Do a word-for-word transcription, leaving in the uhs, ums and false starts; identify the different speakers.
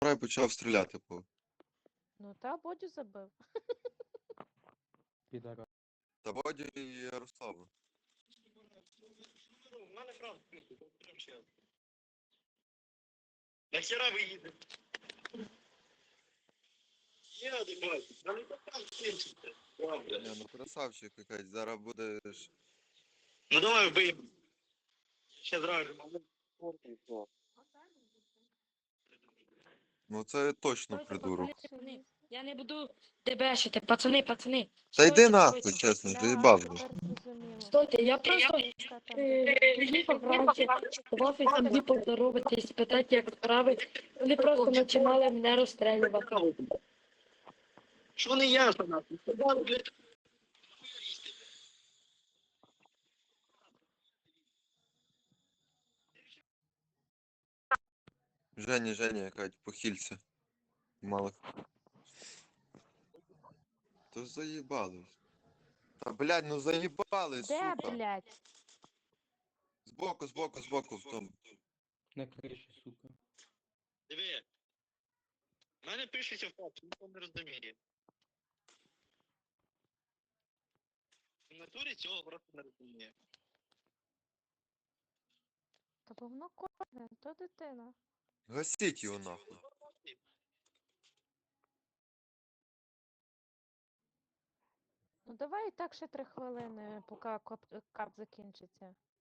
Speaker 1: і почав стріляти по.
Speaker 2: Ну та Бодю забив.
Speaker 3: Підара.
Speaker 1: Та Бодю і Ярославу.
Speaker 4: У мене правда, прям чесно. Нахера ви їдете? Я не бачу, та не так кінчите. Правда.
Speaker 1: Не, ну красавчик якась, зараз будеш.
Speaker 4: Ну давай вбий. Ще зразу.
Speaker 1: Ну це точно
Speaker 5: Стойте,
Speaker 1: придурок.
Speaker 5: пацани, пацани. Я не буду дебешити, пацани, пацани.
Speaker 1: Та
Speaker 5: Стойте,
Speaker 1: йди нахуй,
Speaker 5: стойте.
Speaker 1: чесно,
Speaker 2: Да,
Speaker 1: заїбав вже.
Speaker 2: тепер зрозуміло.
Speaker 5: Стойте, я просто
Speaker 2: Яка там
Speaker 5: е, приїхав вранці в офіс собі поздороватись, спитати, як справи. Вони просто починали мене розстрілювати.
Speaker 4: Що не ясно нахуй? Сказали, блядь.
Speaker 1: Женя, Женя, якась похилься. Мало. То заїбали. Та блядь, ну заїбали,
Speaker 2: Де,
Speaker 1: сука.
Speaker 2: блядь?
Speaker 1: Збоку, збоку, збоку в тому.
Speaker 3: На криші, сука.
Speaker 4: Диви. У мене пишеться в факт, ніхто не розуміє. В натурі цього просто не розуміє.
Speaker 2: Та бо воно кожне, то дитина.
Speaker 1: Гасіть його нахуй.
Speaker 2: Ну давай і так ще три хвилини, поки кап, кап закінчиться.